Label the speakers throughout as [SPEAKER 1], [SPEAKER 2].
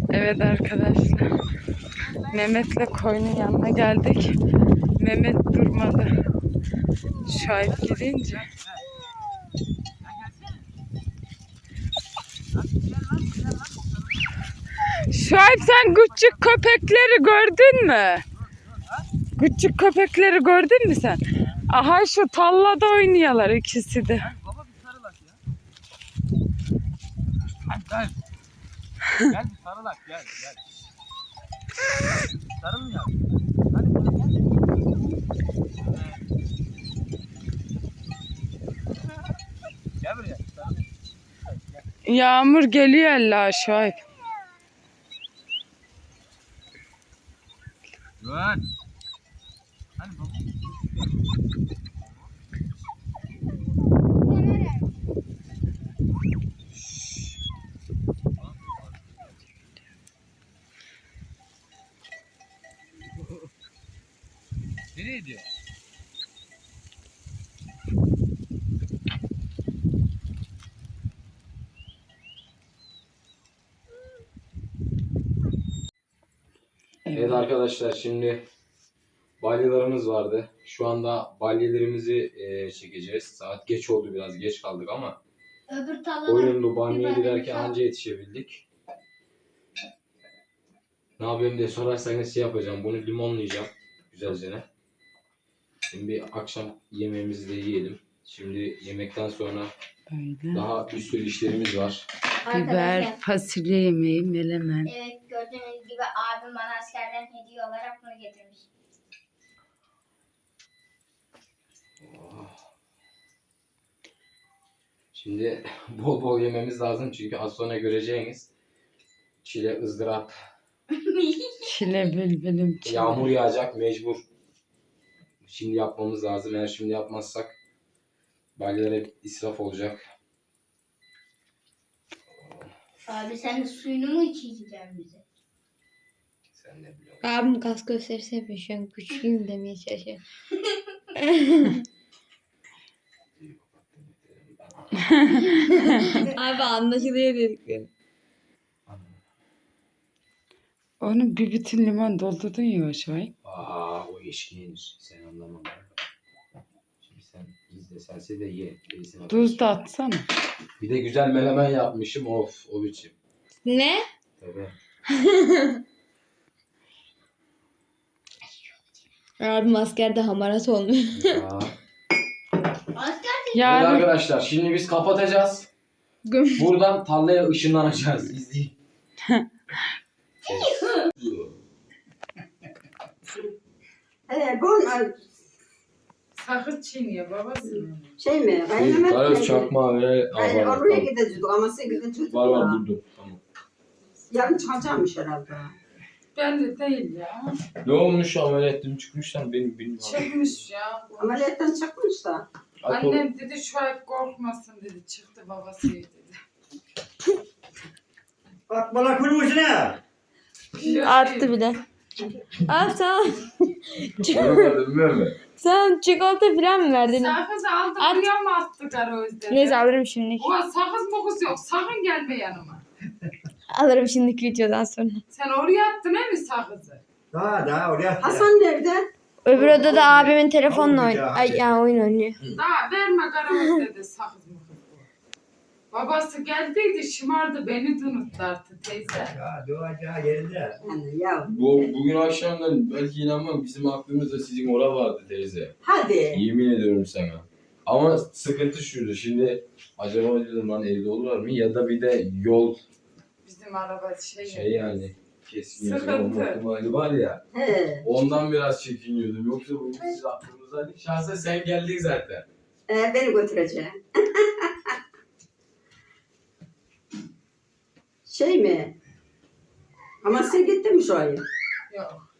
[SPEAKER 1] Evet arkadaşlar. Mehmet'le koyunun yanına geldik. Mehmet durmadı. Şahip gidince. Şahip sen küçük köpekleri gördün mü? Küçük köpekleri gördün mü sen? Aha şu tallada oynuyorlar ikisi de.
[SPEAKER 2] Baba bir sarılak ya. Gel. Gel bir sarılak gel. Sarılın ya. Hadi bana gel. Gel buraya. Sarılın.
[SPEAKER 1] Yağmur geliyor Allah Şahip.
[SPEAKER 2] Güven. Hani baba. Nereye gidiyor?
[SPEAKER 3] Evet arkadaşlar, şimdi balyalarımız vardı. Şu anda balyelerimizi çekeceğiz. Saat geç oldu, biraz geç kaldık ama oyunlu banyoya giderken anca yetişebildik. Ne yapıyorum diye sorarsanız şey yapacağım. Bunu limonlayacağım güzelce. Şimdi akşam yemeğimizi de yiyelim. Şimdi yemekten sonra
[SPEAKER 1] Öyle.
[SPEAKER 3] daha bir sürü işlerimiz var.
[SPEAKER 1] Biber, fasulye yemeği, melemen.
[SPEAKER 4] Evet, gördüğünüz gibi abim bana askerden hediye olarak bunu getirmiş.
[SPEAKER 3] Şimdi bol bol yememiz lazım çünkü az sonra göreceğiniz çile, ızdırap,
[SPEAKER 1] Çile bülbülüm çile.
[SPEAKER 3] yağmur yağacak mecbur. Şimdi yapmamız lazım. Eğer şimdi yapmazsak balyalar hep israf olacak.
[SPEAKER 4] Abi sen de suyunu mu içeceksin bize?
[SPEAKER 3] Sen ne biliyorsun?
[SPEAKER 5] Abim kas gösterisi yapıyor şu an. Güçlüyüm demeye çalışıyor. Abi anlaşılıyor dedikleri.
[SPEAKER 1] Onu bir bütün limon doldurdun ya Şahip.
[SPEAKER 3] O eşkiğin sen anlamam. Şimdi sen izlesense de ye.
[SPEAKER 1] Tuz da atsana.
[SPEAKER 3] Bir de güzel menemen yapmışım. Of, o biçim.
[SPEAKER 5] Ne?
[SPEAKER 3] Tabii.
[SPEAKER 5] Abim askerde hamarat olmuş.
[SPEAKER 3] Ya.
[SPEAKER 4] Asker
[SPEAKER 3] Evet
[SPEAKER 1] Yarın
[SPEAKER 3] arkadaşlar, şimdi biz kapatacağız. Buradan tarlaya ışınlanacağız. İzleyin.
[SPEAKER 6] Bu
[SPEAKER 1] sakız çiğniyor babası.
[SPEAKER 6] şey mi? Kaynamak
[SPEAKER 3] Karız çakma ve
[SPEAKER 6] Yani oraya gideceğiz ama 8'de çocuk
[SPEAKER 3] var buldum. Tamam.
[SPEAKER 6] Yarın çıkacakmış herhalde.
[SPEAKER 1] Ben de değil ya.
[SPEAKER 3] Ne olmuş ameliyatım çıkmışlar benim bilmiyorum.
[SPEAKER 1] Çıkmış ya.
[SPEAKER 6] Ameliyattan çıkmış da.
[SPEAKER 1] Annem dedi Şahip korkmasın dedi. Çıktı babası dedi.
[SPEAKER 2] Bak bana kurmuş ne?
[SPEAKER 5] Attı bile. Abi tamam. Sen çikolata falan mı verdin?
[SPEAKER 1] Sakız aldık
[SPEAKER 5] At.
[SPEAKER 1] buraya mı attık ara özde?
[SPEAKER 5] Neyse alırım şimdi.
[SPEAKER 1] O sakız mokuz yok. Sakın gelme yanıma.
[SPEAKER 5] Alırım şimdiki videodan sonra.
[SPEAKER 1] Sen oraya attın he mi sakızı?
[SPEAKER 2] Daha oraya.
[SPEAKER 6] Hasan nerede?
[SPEAKER 5] Öbür odada abimin telefonla
[SPEAKER 2] Almayacağım.
[SPEAKER 5] oynuyor. Ay ya oyun oynuyor.
[SPEAKER 1] Daha verme kara dedi sakız mokuz. Babası geldiydi şımardı beni de unuttu artık teyze.
[SPEAKER 2] Ya doğacağı yerinde.
[SPEAKER 6] Yani ya.
[SPEAKER 3] Bugün akşamdan belki inanmam bizim aklımızda sizin ora vardı teyze.
[SPEAKER 6] Hadi.
[SPEAKER 3] Yemin ediyorum sana. Ama sıkıntı şuydu, şimdi acaba dedim lan evde olurlar mı ya da bir de yol
[SPEAKER 1] Bizim araba
[SPEAKER 3] şey yani keskin
[SPEAKER 1] Sıkıntı.
[SPEAKER 3] olma ihtimali var ya,
[SPEAKER 6] He.
[SPEAKER 3] ondan biraz çekiniyordum, yoksa bu siz aklımızdaydı. Şahsen sen geldin zaten.
[SPEAKER 6] Beni götüreceğim. Şey mi? Ama sen gittin mi şu ay?
[SPEAKER 1] yok.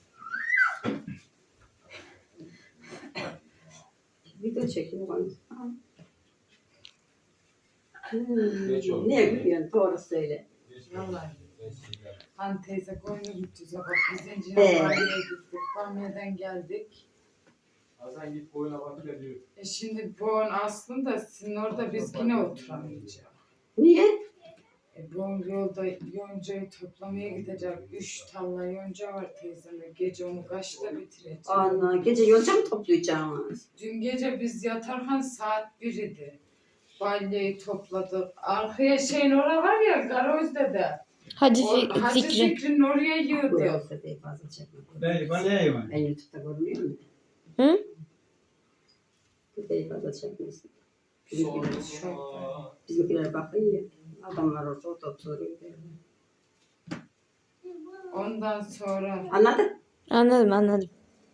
[SPEAKER 6] Video çekeyim bana.
[SPEAKER 3] Geç oldu.
[SPEAKER 6] Niye gülüyorsun? Doğru söyle.
[SPEAKER 1] Vallahi. Hani teyze koyunu gideceğiz. Bak biz
[SPEAKER 6] He.
[SPEAKER 1] zincirden Bamya'ya gittik. Bamya'dan geldik.
[SPEAKER 3] Hasan git boyuna bak ya diyor.
[SPEAKER 1] Şimdi bu aslında sizin orada biz yine oturamayacağız.
[SPEAKER 6] Niye?
[SPEAKER 1] Bu yolda yoncayı toplamaya gidecek. 3 talla yonca var teyzemle. Gece onu kaçta bitireceğim?
[SPEAKER 6] Ana gece yonca mı toplayacağız?
[SPEAKER 1] Dün gece biz yatarken saat 1 idi. Balyayı topladık. Arkaya şeyin orası var ya Garoz'da da.
[SPEAKER 5] Hadi
[SPEAKER 1] Hacı
[SPEAKER 5] Zikri.
[SPEAKER 1] Zikri'nin oraya
[SPEAKER 6] Bu
[SPEAKER 1] yığdı.
[SPEAKER 6] yolda değil fazla çekme.
[SPEAKER 2] Ben ne yiyeyim?
[SPEAKER 6] Ben YouTube'da görmüyor muyum?
[SPEAKER 5] Hı?
[SPEAKER 6] Bu değil fazla çekmesin.
[SPEAKER 1] Çok.
[SPEAKER 6] Bizimkiler bakın ya. Adamlar orada oturuyor.
[SPEAKER 1] Ondan sonra
[SPEAKER 6] Anladın?
[SPEAKER 5] Anladım.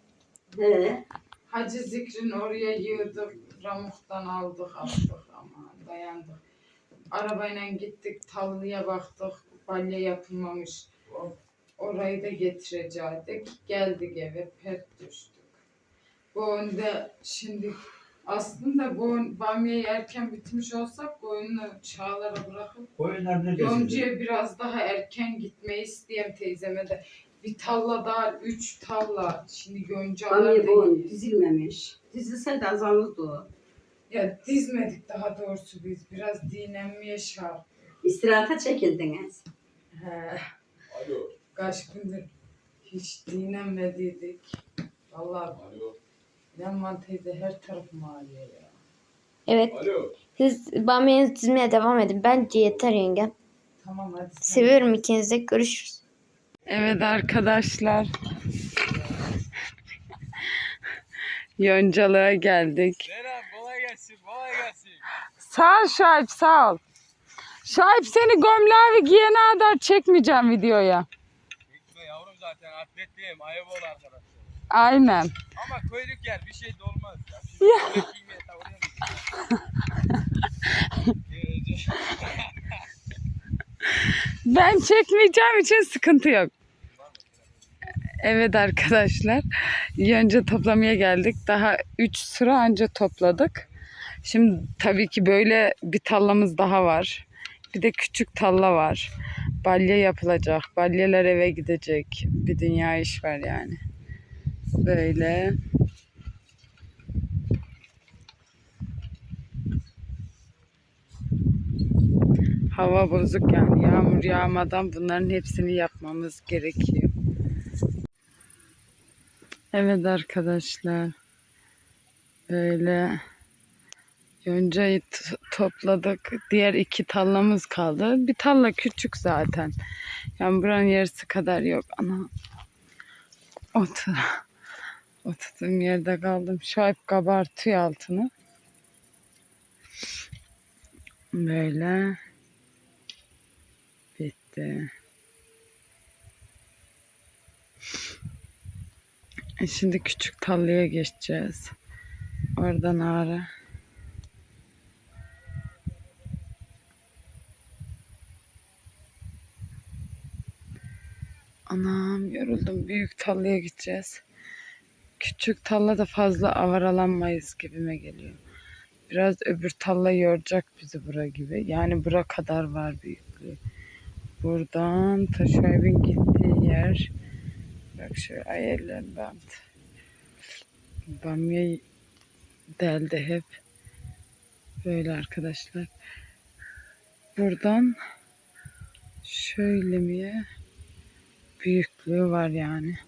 [SPEAKER 1] Hacı Zikri'nin oraya yığdık. Ramuk'tan aldık attık ama dayandık. Arabayla gittik tallıya baktık. Balya yapılmamış. Orayı da getirecektik. Geldik eve pert düştük. Bu önde şimdi aslında bu bamyayı erken bitmiş olsak koyunu çağlara bırakıp
[SPEAKER 2] Koyunlar ne
[SPEAKER 1] Yoncu'ya biraz daha erken gitmeyi isteyeyim teyzeme de. Bir talla daha 3 talla. Şimdi yoncalar
[SPEAKER 6] Bamya bu
[SPEAKER 1] da
[SPEAKER 6] dizilmemiş. Dizilseydi azalırdı o.
[SPEAKER 1] ya dizmedik daha doğrusu biz. Biraz dinlenmeye şart.
[SPEAKER 6] İstirahata çekildiniz.
[SPEAKER 1] He. Kaç gündür hiç dinlenmediydik. Vallahi Leman teyze her taraf mahalle ya.
[SPEAKER 5] Evet. Siz bamyanızı dizmeye devam edin. Bence yeter yenge.
[SPEAKER 1] Tamam hadi. sen-
[SPEAKER 5] Seviyorum ikinizi de. Görüşürüz.
[SPEAKER 1] Evet arkadaşlar. Yoncalığa geldik.
[SPEAKER 2] Kolay gelsin, kolay gelsin.
[SPEAKER 1] Sağ ol Şahip sağ ol. Şahip seni gömleği giyene kadar çekmeyeceğim videoya.
[SPEAKER 2] Çekme yavrum zaten atletliyim, ayıp ol arkadaşlar.
[SPEAKER 1] Aynen.
[SPEAKER 2] Ama köylük yer bir şey de olmaz ya. Şimdi ya.
[SPEAKER 1] Ben çekmeyeceğim için sıkıntı yok. Evet arkadaşlar. Yonca toplamaya geldik. Daha 3 sıra anca topladık. Şimdi tabii ki böyle bir tallamız daha var. Bir de küçük talla var. Balya yapılacak. Balyalar eve gidecek. Bir dünya iş var yani. Böyle. Hava bozuk yani. Yağmur yağmadan bunların hepsini yapmamız gerekiyor. Evet arkadaşlar. Böyle yoncayı topladık. Diğer 2 tallamız kaldı. Bir talla küçük zaten. Yani buranın yarısı kadar yok. Ana. Oturduğum yerde kaldım. Şahip kabartıyor altını. Böyle. Bitti. Şimdi küçük tallaya geçeceğiz. Oradan ağrı. Anam yoruldum. Büyük tallaya gideceğiz. Küçük talla da fazla avaralanmayız gibime geliyor. Biraz öbür talla yoracak bizi bura gibi. Yani bura kadar var büyüklüğü. Buradan ta şu evin gittiği yer. Bak şu ayarlar bant. Bamya deldi hep. Böyle arkadaşlar. Buradan şöyle mi büyüklüğü var yani.